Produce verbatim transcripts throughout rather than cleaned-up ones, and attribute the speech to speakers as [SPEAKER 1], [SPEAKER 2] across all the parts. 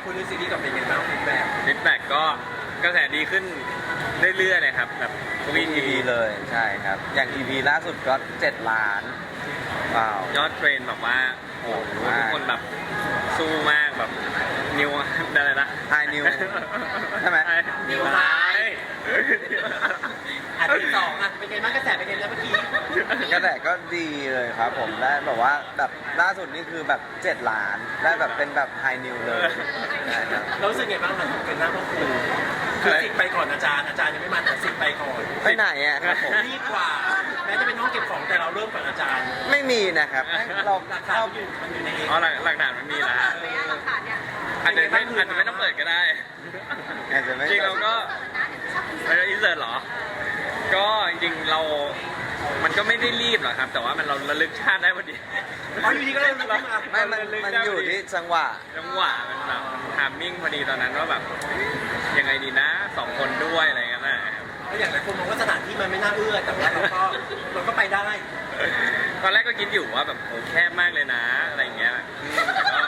[SPEAKER 1] คุณดูซีรีส์กับเป็นยังไงบ้างฟีดแบ็ก
[SPEAKER 2] ฟีดแบ็กก็กระแสดีขึ้นเรื่อยๆเลยครับแบบทุก
[SPEAKER 3] ทุก
[SPEAKER 2] อี
[SPEAKER 3] อี
[SPEAKER 2] พี
[SPEAKER 3] พีเลยใช่ครับ อย่าง อี พี ล่าสุดก็เจ็ดล้านว้าวย
[SPEAKER 2] อดเทรนแบบว่าโอ้โห
[SPEAKER 3] มาก
[SPEAKER 2] ทุกคนแบบสู้มากแบบนิวอะไรนะ
[SPEAKER 3] ไฮนิวใช่ไหม
[SPEAKER 2] นิวไฮ
[SPEAKER 1] อันที่สองอ่ะเป็นไงบ้างกระแสเป็นไงแล้วเมื่อกี้
[SPEAKER 3] กระแสก็ดีเลยครับผมได้แบบว่าแบบล่าสุดนี่คือแบบเจ็ดล้านได้แบบเป็นแบบไฮนิวเลยใช่ครับ
[SPEAKER 1] เรารู้สึกไงบ้างหลังจากเป็นหน้าพ่อครูคือสิทธิ์ไปก่อนอาจารย์อาจารย์ยังไม่มาแต่สิทธิ์ไปก่อน
[SPEAKER 3] ไปไหนอ่ะครับผม
[SPEAKER 1] รีบกว่าแม้จะเป็นห้องเก็บของแต่เราเริ่มก่อนอาจารย์
[SPEAKER 3] ไม่มีนะครับเรา
[SPEAKER 1] หลักฐาน
[SPEAKER 3] เรา
[SPEAKER 1] อยู่มันอยู่ในเอง
[SPEAKER 2] อ๋อหลักหลักฐานมันมีแล้วฮะ
[SPEAKER 4] หลักฐานเนี่ย
[SPEAKER 2] อาจจะไม่อาจจะไม่ต้องเปิดก็ได้
[SPEAKER 3] อาจจะไม่
[SPEAKER 2] จริงเราก็
[SPEAKER 4] เปิดนะเดี๋ยวชอบอินเสิร์ต
[SPEAKER 2] เราอินเสิร์ตเหรอ ก็จริงๆเรา มันก็ไม่ได้รีบหรอกครับ แต่ว่ามันเราระลึกชาติได้พอดี
[SPEAKER 1] อ๋ออยู่ดีก็เริ่มมา
[SPEAKER 3] ไม่มันมันอยู่ที่จังหวะ
[SPEAKER 2] จังหวะมันแบบทามมิ่งพอดีตอนนั้นว่าแบบยังไงดีนะสองคนด้วยอะไรเงี้ยนะ
[SPEAKER 1] เพราะอย่างหลายคนมองว่าสถานที่มันไม่น่าเอื้อแต่ว่าเราก็เราก็ไปได้
[SPEAKER 2] ตอนแรกก็คิดอยู่ว่าแบบโอ้แคบมากเลยนะอะไรเงี้ยอืมแต่ก็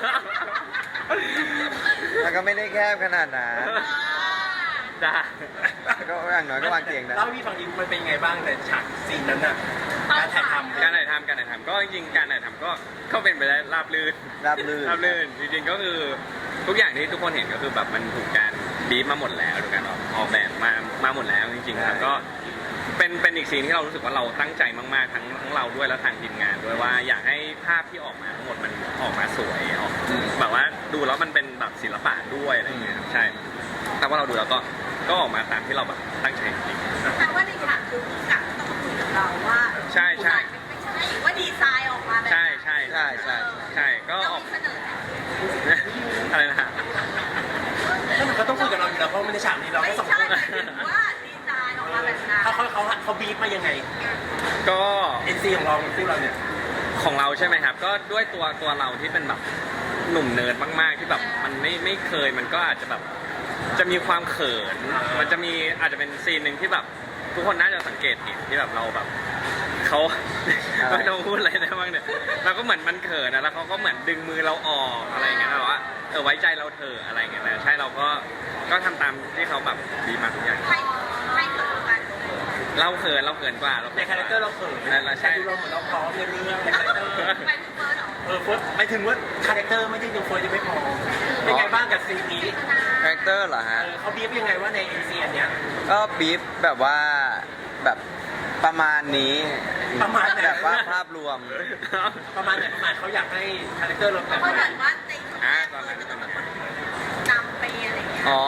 [SPEAKER 3] มันก็ไม่ได้แคบขนาดนั้น
[SPEAKER 2] จ้า
[SPEAKER 3] ก็อย่างน้อยก็วางเตียงได้
[SPEAKER 1] เล่าให้พี่ฟังดิมันเป็นยังไงบ้างในฉากซีนนั้นน่ะการถ่ายทำ
[SPEAKER 2] การถ่ายทำการถ่ายทำก็จริงๆการถ่ายทำก็ก็เป็นไปได้ราบรื่น
[SPEAKER 3] ราบรื่น
[SPEAKER 2] ราบรื่นจริงๆก็คือทุกอย่างที่ทุกคนเห็นก็คือแบบมันถูกการบีบมาหมดแล้วถูกการออกออกแบบมามาหมดแล้วจริงๆครับก็เป็นเป็นอีกสิ่งที่เรารู้สึกว่าเราตั้งใจมากๆทั้งทั้งเราด้วยและทางทีมงานด้วยว่าอยากให้ภาพที่ออกมาทั้งหมดมันออกมาสวยออกแบบว่าดูแล้วมันเป็นแบบศิลปะด้วยอะไรอย่างเงี้ยครับใช่แต่ว่าเราดูแล้วก็ก็ออกมาตามที่เราแบบตั้งใจจริงๆ
[SPEAKER 4] แปลว่าในฉากคือผู้กำกับต้องมาคุยกับเราว่า
[SPEAKER 2] ใช่ใช่
[SPEAKER 4] ไม่ใช่หรือว่าดีไซน์ออกมาแบบ
[SPEAKER 2] ใช่ใช่
[SPEAKER 3] ใช่ใช่
[SPEAKER 2] ใช่ก็
[SPEAKER 4] เรา
[SPEAKER 2] ออก
[SPEAKER 4] มีเสนอแนะ
[SPEAKER 2] อะไรนะฮะ
[SPEAKER 1] ถ้ามันก็ต้องคุยกับเราอยู่แล้วเพราะมันในฉากนี้เรา
[SPEAKER 4] ไม่
[SPEAKER 1] แค่สอง
[SPEAKER 4] ใช่
[SPEAKER 1] คน
[SPEAKER 4] หมายถึงว่าดีไซน์ออกมาแบบนั้น
[SPEAKER 1] เขาเขาเขาเขาบีบมายังไง
[SPEAKER 2] ก็
[SPEAKER 1] เอ็นซีของเราคู่เราเนี่ย
[SPEAKER 2] ของเราใช่ไหมครับ ก็ด้วยตัวตัวเราที่เป็นแบบหนุ่มเนิร์ดมากๆที่แบบมันไม่ไม่เคยมันก็อาจจะแบบจะมีความเขิน มันจะมีอาจจะเป็นซีนหนึ่งที่แบบทุกคนน่าจะสังเกตเห็นที่แบบเราแบบเขาไม่ต้องพูดอะไรได้บ้างเนี่ยเราก็เหมือนมันเขินนะแล้วเขาก็เหมือนดึงมือเราออกอะไรอย่างเงี้ยนะว่าเออไว้ใจเราเถอะอะไรอย่างเงี้ยนะใช่เราก็ก็ทำตามที่เขาแบบดีมาทุกอย่าง
[SPEAKER 4] ใครใครเกิดกัน
[SPEAKER 2] เราเขินเราเขินกว่าเรา
[SPEAKER 1] ในคาแรคเตอร์เราเขิน
[SPEAKER 2] นั่นแหละใช่
[SPEAKER 1] แต่ดูเราเหมือนเราพร้อมในเรื่องในคาแรคเตอร์
[SPEAKER 4] ไปถึงเฟิร์สเหรอ
[SPEAKER 1] เออเฟิร์สหมายถึงว่าคาแรคเตอร์ไม่ได้ดูเฟิร์สยังไม่พอเป็นไงบ้างกับซีนนี้
[SPEAKER 3] คาแรคเตอร์เหรอ
[SPEAKER 1] เอ
[SPEAKER 3] ฮะ
[SPEAKER 1] อเขาบีบยังไงว่าในเอ็นซีอันเนี้ย
[SPEAKER 3] ก็บีฟแบบว่าแบบประมาณนี้
[SPEAKER 1] ประมาณไหน
[SPEAKER 3] แบบว่าภาพรวม
[SPEAKER 1] ประมาณไหนประมาณเขาอยากให้คาแรคเตอร์เราแบบ
[SPEAKER 4] เพราะ
[SPEAKER 1] ไหน
[SPEAKER 4] เหมือนว่าในช่วงแรกเฟิร์สจะต้องเป็นคนนำไปอะไรอย่างเงี้ย
[SPEAKER 3] อ๋อ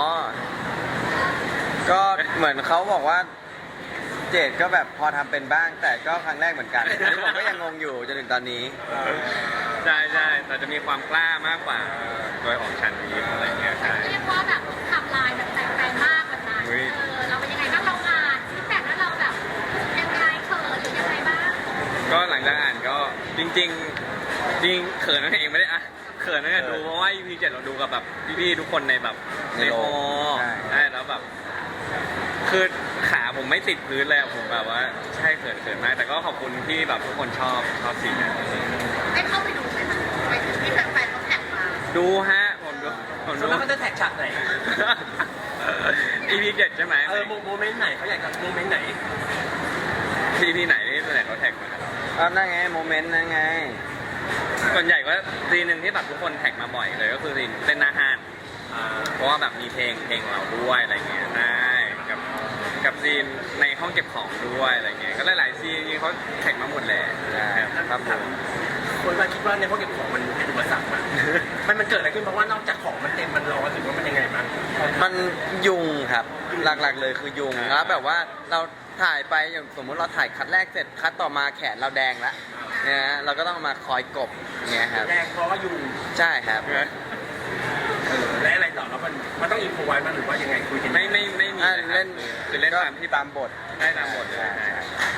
[SPEAKER 3] ก็เหมือนเขาบอกว่า เจดก็แบบพอทำเป็นบ้าง แต่ก็ครั้งแรกเหมือนกันอันนี้ผมก็ยังงงอยู่จนถึงตอนนี้
[SPEAKER 2] ใช่ใช่แต่จะมีความกล้ามากกว่าโดยของชันนี้อะไรเงี้ยใช่
[SPEAKER 4] เรียกว่าแบบทำลายแบบแตกแตนมากแบบนั้น
[SPEAKER 2] อุ๊ย
[SPEAKER 4] เออเราเป็นยังไงบ้างเราอ่านฟีดแบ็กแล้วเราแบบยังไงเขินหรือยังไงบ้าง
[SPEAKER 2] ก็หลังจากอ่านก็จริง ๆ จริงเขินนั่นเองไม่ได้อะเขินนั่นแหละดูเพราะว่า อี พี เจ็ดเราดูกับแบบพี่ๆทุกคนในแบบใน
[SPEAKER 3] ในโร
[SPEAKER 2] ฮ
[SPEAKER 3] ง
[SPEAKER 2] อ
[SPEAKER 3] ใช่
[SPEAKER 2] ใช่แล้วแบบคือขาผมไม่ติดพื้นเลยอะผมแบบว่าใช่เขินเขินมากแต่ก็ขอบคุณที่แบบทุกคนชอบชอบซีนนั้น
[SPEAKER 4] ได้เข้าไปดูไหมคะไปถึงที่แฟนๆเขาแท็กมา
[SPEAKER 2] ดูฮะผมดูผม
[SPEAKER 1] ส่
[SPEAKER 2] ดู
[SPEAKER 1] วนมากเขาจะแท็กฉากไหน
[SPEAKER 2] อี พี เจ็ดใช่ไหม
[SPEAKER 1] เออโมเมนต์ไหนเขาอยากจะโมเมนต์ไหน
[SPEAKER 2] อี พี ไหนที่ส่วนใหญ่เขาแท็กมา
[SPEAKER 3] ก็นั่นไงโมเมนต์นั่นไง
[SPEAKER 2] ส่วนใหญ่ก็ซีนหนึ่งที่แบบทุกคนแท็กมาบ่อยเลยก็คือซีนเล่นหน้าห้านเพราะว่าแบบมีเพลงเพลงเราด้วยอะไรเงี้ยใช่กับกับซีนในห้องเก็บของด้วยอะไรเงี้ยก็หลายๆซีนจริงๆเขาแท็กมาหมดแหละ
[SPEAKER 3] ใช่ครับผม
[SPEAKER 1] คนมาคิดว่าในห้องเก็บของมันเป็นอุปสรรคมั้ยมันมันเกิดอะไรขึ้นเพราะว่านอกจากของมันเต็มมันร้อนหรือว่ามันยังไงมั้ง
[SPEAKER 3] มันยุงครับ หลักๆเลยคือยุงแล้วแบบว่าเราถ่ายไปอย่างสมมุติเราถ่ายคัดแรกเสร็จคัดต่อมาแขนเราแดงแล้วเนี่ยฮะเราก็ต้องมาคอยกบอย่างเงี้ยครับ
[SPEAKER 1] แรงเพราะว่ายุง
[SPEAKER 3] ใช่ครับ
[SPEAKER 1] เออและอะไรต่อแล้วมันมันต้องอินโฟไว้มันหรือว่ายังไงคุยกัน
[SPEAKER 2] ไม่ไม่ไม่มี
[SPEAKER 3] อ่า
[SPEAKER 2] นะครับ
[SPEAKER 3] เล่น
[SPEAKER 2] คือเล่นตามที่
[SPEAKER 3] ตามบท
[SPEAKER 2] ได้ตามบทเลย
[SPEAKER 3] ใช่
[SPEAKER 2] ใช่
[SPEAKER 3] ใช่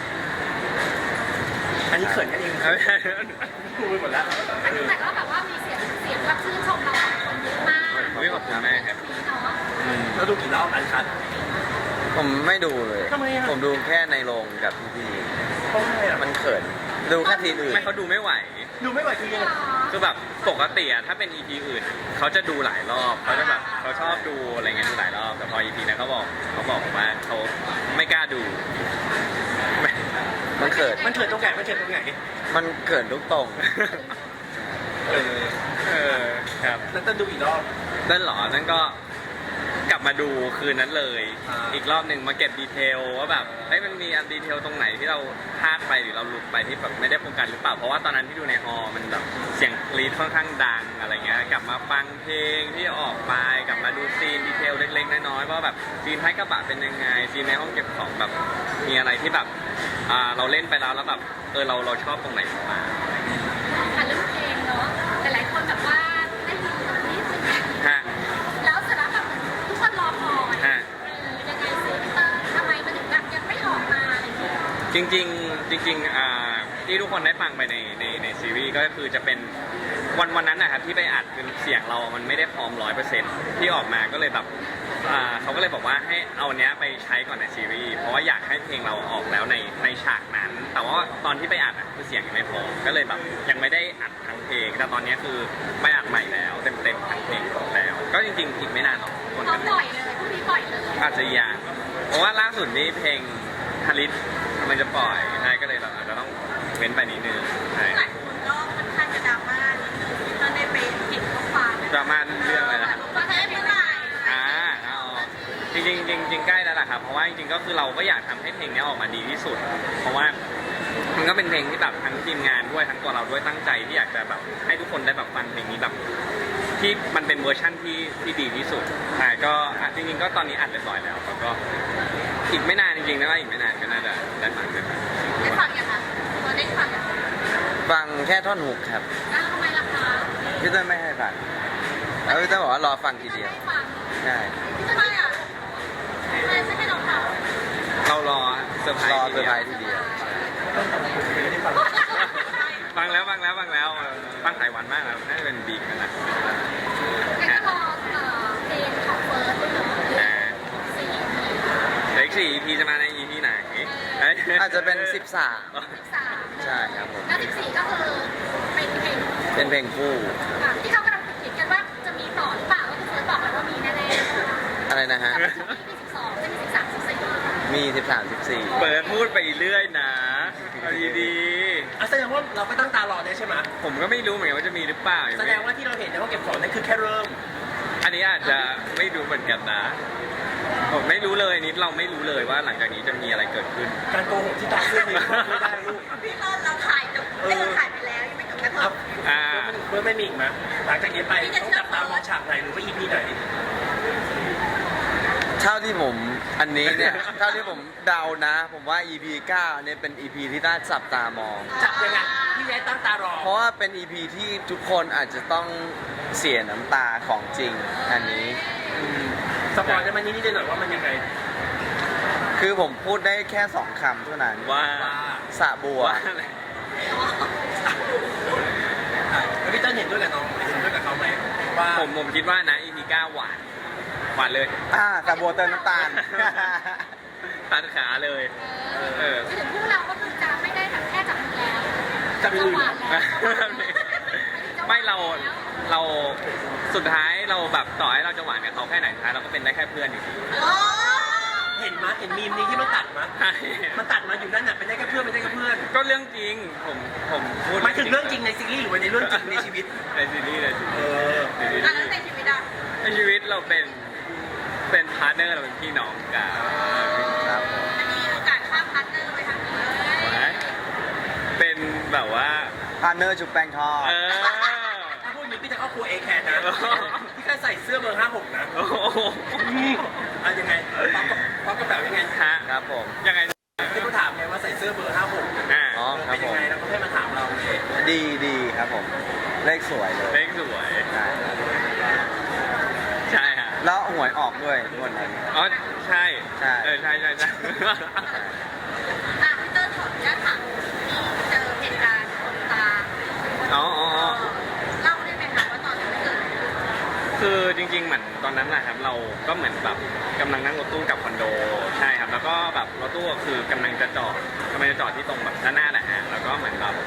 [SPEAKER 1] อันนี้เขินกันเองพูดไปหมดแล้ว
[SPEAKER 4] แต่ก็แบบว่ามีเสียงเสียงแบบชื่นชมเราคนเยอะมาก
[SPEAKER 2] อุ๊ยขอบคุณมากครับ
[SPEAKER 4] เนาะ
[SPEAKER 2] อืม
[SPEAKER 1] แล้วดูกี่รอบอันคัด
[SPEAKER 3] ผมไม่ดูเลย
[SPEAKER 1] ทำไมอะ
[SPEAKER 3] ผมดูแค่ในโรงกับพี่
[SPEAKER 1] เพราะอะไรอ่ะ
[SPEAKER 3] ๆมันเขิน ดูแค่ทีอื่น
[SPEAKER 2] ไม่เขาดูไม่ไหว
[SPEAKER 1] ดูไม่ไหวคือยังไง
[SPEAKER 4] หรอ
[SPEAKER 2] คือแบบปกติอะถ้าเป็น อี พี อื่นเขาจะดูหลายรอบเขาจะแบบเขาชอบดูอะไรเงี้ยดูหลายรอบแต่พอ อี พี นั้นเขาบอกเขาบอกว่าเขาไม่กล้าดูไม่
[SPEAKER 3] มันเขิน
[SPEAKER 1] มันเกิดตรงไหนมันเกิดตรงไหน
[SPEAKER 3] มันเขินทุกตรง
[SPEAKER 1] เออ
[SPEAKER 2] เออครับ
[SPEAKER 1] แล้วต้องดูอีกรอบ
[SPEAKER 2] นั่นเหรอนั่นก็กลับมาดูคืนนั้นเลย
[SPEAKER 1] อ่า
[SPEAKER 2] อีกรอบหนึ่งมาเก็บดีเทลว่าแบบเฮ้ยมันมีอันดีเทลตรงไหนที่เราพลาดไปหรือเราหลุดไปที่แบบไม่ได้โฟกัสหรือเปล่าเพราะว่าตอนนั้นที่ดูในฮอลล์มันแบบเสียงกรีดค่อนข้างดังอะไรเงี้ยกลับมาฟังเพลงที่ออกไปกลับมาดูซีนดีเทลเล็กๆน้อยๆว่าแบบซีนท้ายกระบะเป็นยังไงซีนในห้องเก็บของแบบมีอะไรที่แบบอ่าเราเล่นไปแล้วแล้วแบบเออเราเราชอบตรงไหนบ้าง
[SPEAKER 4] ค่ะเรื่องเพลงเนาะแต่หลายคนแบบว่าได้ยินตรงนี้ซึ่ง
[SPEAKER 2] ฮะ
[SPEAKER 4] แล้วเสร็จแล้วแบบทุกคนรอคอย
[SPEAKER 2] ฮะ
[SPEAKER 4] เออยังไงซิเตอร์ทำไมมันถึงแบบยังไม่ออกมาอะไรอย่างเงี้ย
[SPEAKER 2] จริงๆจริงๆอ่าที่ทุกคนได้ฟังไปในในในซีรีส์ก็คือจะเป็นวันวันนั้นนะครับที่ไปอัดคือเสียงเรามันไม่ได้พร้อมร้อยเปอร์เซ็นต์ที่ออกมาก็เลยแบบอ่าเขาก็เลยบอกว่าให้เอาเนี้ยไปใช้ก่อนในซีรีส์เพราะว่าอยากให้เพลงเราออกแล้วในในฉากนั้น แต่ว่าตอนที่ไปอัดอะคือเสียงยังไม่พอก็เลยแบบยังไม่ได้อัดทั้งเพลงแต่ตอนเนี้ยคือไปอัดใหม่แล้วเต็มเต็มๆทั้งเพลงแล้ว ก็จริงๆอีกไม่นานหรอกคน
[SPEAKER 4] เขา
[SPEAKER 2] ก็
[SPEAKER 4] ปล่อยเลยพรุ่งนี้ปล่อยเลย
[SPEAKER 2] อาจจะยากเพราะว่าล่าสุดนี้เพลงฮาริสมันจะปล่อยใช่ก็เลยเราอาจจะต้องเว้นไปนิดนึงใช่
[SPEAKER 4] หลายคนก็ค่อนข้างจะดราม่านิดนึงที่มันได้ไปเห็นข้อความ
[SPEAKER 2] ดราม่าเรื่องอะไรนะ
[SPEAKER 4] ว่าจะได้เมื่อไหร่
[SPEAKER 2] อ่าเอาจริงๆจริงๆจริงๆใกล้แล้วล่ะครับเพราะว่าจริงๆก็คือเราก็อยากทำให้เพลงนี้ออกมาดีที่สุด เพราะว่ามันก็เป็นเพลงที่แบบทั้งทีมงานด้วยทั้งตัวเราด้วยตั้งใจที่อยากจะแบบให้ทุกคนได้แบบฟังเพลงนี้แบบที่มันเป็นเวอร์ชั่นที่ที่ดีที่สุดใช่ก็อ่ะจริงๆก็ตอนนี้อัดเรียบร้อยแล้วแล้วก็อีกไม่นานจริงๆนะว่าอีกไม่นานก็น่าจะได้ฟังกัน
[SPEAKER 4] ได้ฟังยังคะเราได้ฟังยังคะ
[SPEAKER 3] ฟังแค่ท่อนฮุกครับ
[SPEAKER 4] อ้าวทำไมล่ะคะ
[SPEAKER 3] พี่เต้ยไม่ให้ฟังแล้วพี่เต้ยบอกว่ารอฟังทีเดียว
[SPEAKER 4] ไม่ฟัง
[SPEAKER 3] ใช่
[SPEAKER 4] ทำไมอ่ะทำไมไม่ให้เราฟัง
[SPEAKER 2] เรารอเซอร์ไพร
[SPEAKER 3] รอ
[SPEAKER 2] ส์
[SPEAKER 3] เซอร์ไพรส์ทีเดียว
[SPEAKER 2] ฟังแล้วฟังแล้วฟังแล้วเออฟังหลายวันมากแล้วน่าจะเป็นบีกันนะ
[SPEAKER 4] งั้นก็รอเอ่อเพลงของเฟิร์สด้วยเนาะ
[SPEAKER 2] อ่า
[SPEAKER 4] สี่
[SPEAKER 2] เด็กสี่ อี พี จะมาใน อี พี ไหนเอ้ย
[SPEAKER 3] อาจจะเป็นสิบสาม
[SPEAKER 4] สิบสาม
[SPEAKER 3] ใช่ครับผม
[SPEAKER 4] แล้วสิบสี่ก็คือเป็นเพลง
[SPEAKER 3] เป็นเพลงคู่
[SPEAKER 4] อ่ะที่เขากำลังคิดกันว่าจะมีต่อหรือเปล่าก็คือเฟิร์สบอกแล้วว่ามีแน่ๆ
[SPEAKER 3] อะไรนะฮะ
[SPEAKER 4] แต่ว่าจะมีสิบสองจะมีสิบสามสิบสี่
[SPEAKER 3] มีสิบสาม สิบสี่
[SPEAKER 2] เปิดพูดไปเรื่อยนะเอาดี
[SPEAKER 1] อ่ะแสดงว่าเราก็ตั้งตารอได้ใช่ไหม
[SPEAKER 2] ๆผมก็ไม่รู้เหมือนกันว่าจะมีหรือเปล่ายัง
[SPEAKER 1] แส
[SPEAKER 2] ไม่
[SPEAKER 1] ดงว่าที่เราเห็นในห้องเก็บของนั่นคือแค่เริ่ม
[SPEAKER 2] อันนี้อาจจะไม่รู้เหมือนกันนะผมไม่รู้เลยนิดเราไม่รู้เลยว่าหลังจากนี้จะมีอะไรเกิดขึ้น
[SPEAKER 1] การโกหกที่ตาเพื่อนนี่ไม่ได้ลูก
[SPEAKER 4] พี่ต้นเราถ่ายจบไม่เราถ่ายไปแล้วยังไม่จบกระท
[SPEAKER 1] ครับ
[SPEAKER 4] บ
[SPEAKER 2] อ่า
[SPEAKER 1] เพื่อนไม่มีอีกไหมหลังจากนี้ไปต้องจับตามองฉากไหนหรือว่า อี พี ไหน
[SPEAKER 3] เท่าที่ผมอันนี้เนี่ย เท่าที่ผมเดานะ ผมว่า อี พี เก้าเนี่ยเป็น อี พี ที่น่าจับตามอง
[SPEAKER 1] จับยังไงพี่แย้ตั้งตารอ
[SPEAKER 3] เพราะว่าเป็น อี พี ที่ทุกคนอาจจะต้องเสียน้ำตาของจริงอันนี้
[SPEAKER 1] สปอยได้ไหมนิดนิดหน่อยๆว่ามันยังไง
[SPEAKER 3] คือผมพูดได้แค่สองคำเท่านั้น
[SPEAKER 2] ว่า
[SPEAKER 1] ว่า
[SPEAKER 3] สะบัว
[SPEAKER 2] ว่าอะไร
[SPEAKER 1] แล้วพี่เต้นเห็นด้วยกับน้องเห็นด้วยกับเขาไหมว่า
[SPEAKER 2] ผมผมคิดว่านะ อี พี เก้าหวานหวานเลย
[SPEAKER 3] อ่าสะบัวเติมน้ำตาล
[SPEAKER 2] ตัดขาเลย เออ
[SPEAKER 4] ถึงพวกเราก็คือจะไม่ได้แบบแค่จับมือแล้ว
[SPEAKER 1] จับมือ
[SPEAKER 4] หวานแล้ว
[SPEAKER 2] ไม่เราเราสุดท้ายเราแบบต่อให้เราจะหวานกับเขาแค่ไหนสุดท้ายเราก็เป็นได้แค่เพื่อนอยู่ดี
[SPEAKER 4] โอ้
[SPEAKER 1] เห็นมั้ยเห็นมีมนี้ที่มันตัดมั้ย
[SPEAKER 2] ใช่
[SPEAKER 1] มันตัดมาอยู่นั่นน่ะเป็นได้แค่เพื่อนเป็นได้แค่เพื่อน
[SPEAKER 2] ก็เรื่องจริงผมผมพูด
[SPEAKER 1] หมายถึงเรื่องจริงในซีรีส์หรือว่าในเรื่องจริงในชีวิต
[SPEAKER 2] ในซีรีส์ในซี
[SPEAKER 1] เอ
[SPEAKER 2] รีส์
[SPEAKER 1] อ
[SPEAKER 2] ในซีรี
[SPEAKER 4] อันนั้น
[SPEAKER 2] ส์
[SPEAKER 4] ในชีวิตอ่ะ
[SPEAKER 2] ในชีวิตเราเป็นเป็นพาร์ทเนอร์เราเป็นพี่น้องกัน
[SPEAKER 3] ครับผม
[SPEAKER 4] มันมีโอกาสข้ามพาร์ทเนอร์ไปทางนี้
[SPEAKER 2] เป็นแบบว่า
[SPEAKER 3] พาร์ทเนอร์ชุบแป้งทอด
[SPEAKER 2] เออ
[SPEAKER 1] ถ้าพูดอย่างนี้พี่จะเข้าครัวเอแคร์นะพี่แค่ใส่เสื้อเบอร์ห้าหกนะ
[SPEAKER 2] โอ้โห
[SPEAKER 1] อ่ะยังไงป๊อปกับป๊อปกับแบบยังไง
[SPEAKER 2] ฮะ
[SPEAKER 3] ครับผม
[SPEAKER 2] ยังไง
[SPEAKER 1] ที่เขาถามไงว่าใส่เสื้อเบอร์ห้าหก
[SPEAKER 2] อ่า
[SPEAKER 3] อ๋อครับ
[SPEAKER 1] เป็น
[SPEAKER 3] ผ
[SPEAKER 1] ยัง
[SPEAKER 3] ม
[SPEAKER 1] ไงแล้วก็ให้มาถามเราเลย
[SPEAKER 3] ดีดีครับผม เลขสวยเลย
[SPEAKER 2] เล็กสวย
[SPEAKER 3] ใช่ครับ
[SPEAKER 2] ใช่ฮะ
[SPEAKER 3] แล้วหวยออกด้วยงวดนั้น
[SPEAKER 2] อ๋อใช่
[SPEAKER 3] ใช่
[SPEAKER 2] เออใช่ใช่ใช่
[SPEAKER 4] อ่ะพี่เตอร์ถอดยัดถังที่เจอเหตุการณ์คนตา
[SPEAKER 2] อ๋ออ๋ออ๋อ
[SPEAKER 4] เล่าได้ไหมคะว่าตอนนั้นเกิดอะไรขึ้น
[SPEAKER 2] คือจริงๆเหมือนตอนนั้นนะครับเราก็เหมือนแบบกำลังนั่งรถตู้กลับคอนโดใช่ครับแล้วก็แบบรถตู้ก็คือกำลังจะจอดกำลังจะจอดที่ตรงแบบด้านหน้าแหละฮะแล้วก็เหมือนแบบ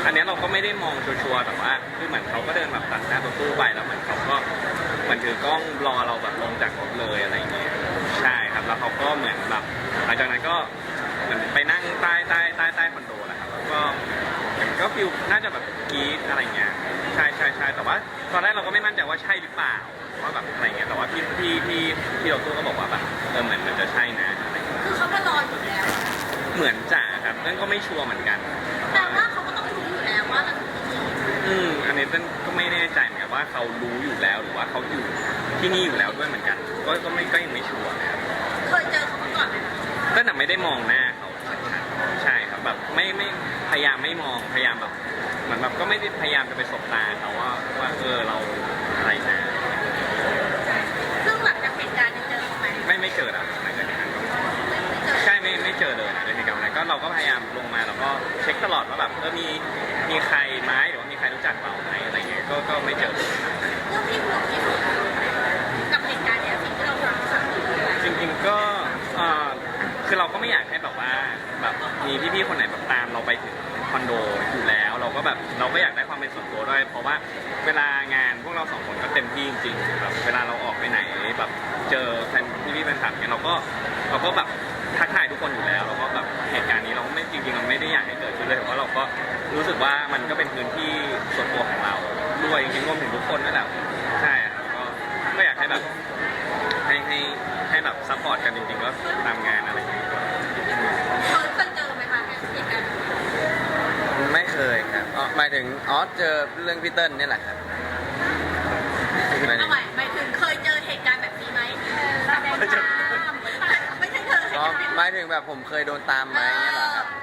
[SPEAKER 2] อันเนี้ยเราก็ไม่ได้มองชัวร์ๆแต่ว่าคือเหมือนเขาก็เดินแบบตัดหน้ารถตู้ไปแล้วเหมือนเขาก็เหมือนถือกล้องรอเราแบบลงจากรถเลยอะไรอย่างเงี้ยใช่ครับแล้วเขาก็เหมือนแบบหลังจากนั้นก็เหมือนไปนั่งใต้ใต้ใต้ใต้คอนโดแหละครับแล้วก็เหมือนก็ฟิลน่าจะแบบกรี๊ดอะไรเงี้ยใช่ใช่ใช่แต่ว่าตอนแรกเราก็ไม่มั่นใจว่าใช่หรือเปล่าว่าแบบอะไรเงี้ยแต่ว่าพี่พี่พี่พี่รถตู้ก็บอกว่าแบบเออเหมือนมันจะใช่นะอะไรเงี้ย
[SPEAKER 4] คือเขามารออยู่แล้ว
[SPEAKER 2] เหมือนจ่าครับนั่นก็ไม่ชัวร์เหมือนกัน
[SPEAKER 4] แต่ว่าเขาก็ต้องรู้อยู่แล้วว่ามัน
[SPEAKER 2] อืมอันนี้เต้นก็ไม่แน่ใจเหมือนกันว่าเขารู้อยู่แล้วหรือว่าเขาอยู่ที่นี่อยู่แล้วด้วยเหมือนกัน ก็ก็ไม่ก็ยังไม่ชัวร์นะครับ
[SPEAKER 4] เคยเจอเขามาก่อนไหมคะ
[SPEAKER 2] ก็แต่ไม่ได้มองหน้าเขาชัดๆใช่ครับแบบไม่ไม่พยายามไม่มองพยายามแบบเหมือนแบบก็ไม่ได้พยายามจะไปสบตาเขาว่าว่าเออเราอะไรนะ
[SPEAKER 4] ซึ่งหลังจากเหตุการณ์นี้เจอเขาไหม
[SPEAKER 2] ไม่ไม่เจอแล้วหลังจากนั้นก็
[SPEAKER 4] ไม่เจอ
[SPEAKER 2] ใช่ไม่ไม่เจอเลยในเหตุการณ์นั้นก็เราก็พยายามลงมาแล้วก็เช็คตลอดว่าแบบเออมีมีใครไหมหรือว่ามีใครรู้จักเราไหมอะไรเงี้ยก็ก็ไม่เจอเลย
[SPEAKER 4] เรื่องที่ห่วงที่สุดกับเหตุการณ์เนี้ยสิ่งที่เราทำคืออะไร
[SPEAKER 2] จริงๆก็เอ่อคือเราก็ไม่อยากให้แบบว่าแบบมีพี่ๆคนไหนแบบตามเราไปถึงคอนโดอยู่แล้ว เราก็แบบเราก็อยากได้ความเป็นส่วนตัวด้วย เพราะว่าเวลางานพวกเราสองคนก็เต็มที่จริงๆแบบเวลาเราออกไปไหนแบบเจอแฟนพี่ๆแฟนคลับเนี่ยเราก็เราก็แบบทักทายทุกคนอยู่แล้วแล้วก็แบบเหตุการณ์นี้เราไม่จริงๆเราไม่ได้อยากให้เกิดขึ้นเลยเพราะเราก็รู้สึกว่ามันก็เป็นพื้นที่ส่วนตัวของเราด้วยจริงๆรวมถึงทุกคนนั่นแหละใช่ครับก็ก็อยากให้แบบ ให้ให้ให้แบบซัพพอร์ตกันจริงๆก็ตามงานอะไรอย่างเงี้ย
[SPEAKER 4] เคยเคยเจอไหมคะเหตุการณ์นี้
[SPEAKER 3] ไม่เคยครับอ๋อหมายถึงอ๋อเจอเรื่องพี่เติ้ลนี่แหละครับหมายถึ
[SPEAKER 4] เอา
[SPEAKER 3] ง
[SPEAKER 4] ใหม่หมายถึงเคยเจอเหตุการณ์แบบนี้ไหมแสดงความไม่ใช่เคย
[SPEAKER 3] อ๋อหมายถึงแบบผมเคยโดนตามไหมเนี่ยเหรอครับ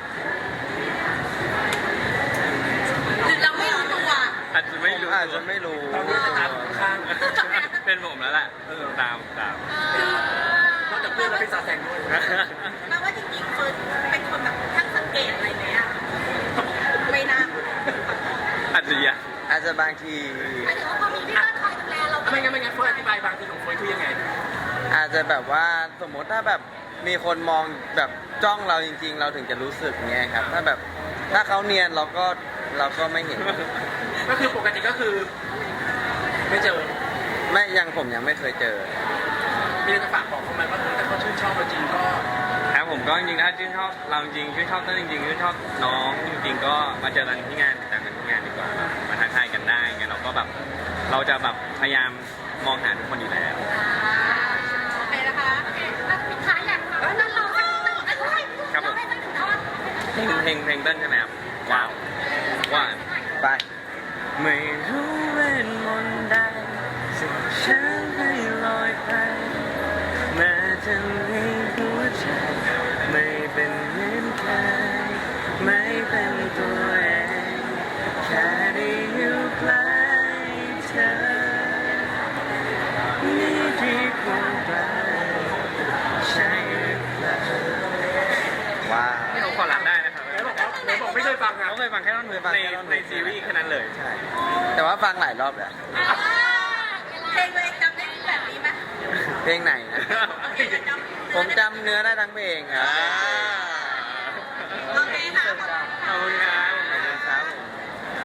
[SPEAKER 4] หรือเราไม่รู้ตัว
[SPEAKER 2] อาจจะไม่รู้
[SPEAKER 3] อาจจะไม่รู้
[SPEAKER 1] ตอนนี้จะตามข้าง
[SPEAKER 2] เป็นผมแล้วแหละเออตามตาม
[SPEAKER 4] คือน
[SPEAKER 1] อกจากเพื่อนแล้วเป็นซาแซงด้วย
[SPEAKER 4] แปลว่าจริงๆเฟิร์นเป็นคนแบบช่างสังเกตอะไรไหมอะไม่น่า
[SPEAKER 2] อาจจะยัง
[SPEAKER 3] อาจจะบางที
[SPEAKER 4] หมายถึงว่าพอมีพี่เติ้ลคอยดูแลเรา
[SPEAKER 1] ไม่งั้นไม่งั้นเฟิร์นอธิบายบางทีของเฟิร์นคือยังไง
[SPEAKER 3] อาจจะแบบว่าสมมติถ้าแบบมีคนมองแบบจ้องเราจริง ๆ เราถึงจะรู้สึกเงี้ยครับ ถ้าแบบถ้าเขาเนียนเราก็เราก็ไม่เห็น
[SPEAKER 1] ก็คือปกติก็คือ ไม่เจอ
[SPEAKER 3] ไม่ยังผมยังไม่เคยเจอ
[SPEAKER 1] มีอะไรจะฝากบอกเขาไหมว่าถ้าเขาชื่นชอบเราจริงก็
[SPEAKER 2] ครับผมก็จริงๆถ้าชื่นชอบเราจริงชื่นชอบเต้นจริงๆชื่นชอบน้องจริง ๆ ก็มาเจอกันที่งานติดตามกันที่งานดีกว่าแบบมาทักทายกันได้งั้นเราก็แบบเราจะแบบพยายามมองหาทุกคนอยู่แล้ว
[SPEAKER 4] โอเคนะคะโอเคแล้วปิดท้ายอยากฟังว่านั่นเราให้เติ้ลอะไร
[SPEAKER 2] ครับผม
[SPEAKER 4] เราให้เติ้ลถึงท่อน
[SPEAKER 2] เพลงเพลงเพลงเต้นใช่ไหมครับว้าวว่า
[SPEAKER 3] ไป
[SPEAKER 2] ไม่รู้เวทมนต์ใดสิ่งฉันให้ลอยไปแม้จะมีหัวใจไม่เป็นเหมือนใครไม่เป็นตัวเองแค่ได้อยู่ใกล้เธอนี่ดีกว่าไกลใช่หรือเปล่า
[SPEAKER 3] ว้าว
[SPEAKER 2] นี่ผมขอรับได้นะครับ
[SPEAKER 1] ไหนบอกว่าไหนบอกไม่เคยฟังครับ
[SPEAKER 2] เขาเคยฟังแค่ท่อนฮุกในในซีรีส์แค่นั้นเลย
[SPEAKER 3] ใช่ แต่ว่าฟังหลายรอบแล้ว
[SPEAKER 4] อ่าเพลงตัวเองจำได้แบบนี้ไหม
[SPEAKER 3] เพลงไหนนะ
[SPEAKER 4] เพลงจำ
[SPEAKER 3] ผมจำเนื้อได้ทั้งเพลงครับ
[SPEAKER 2] อ่า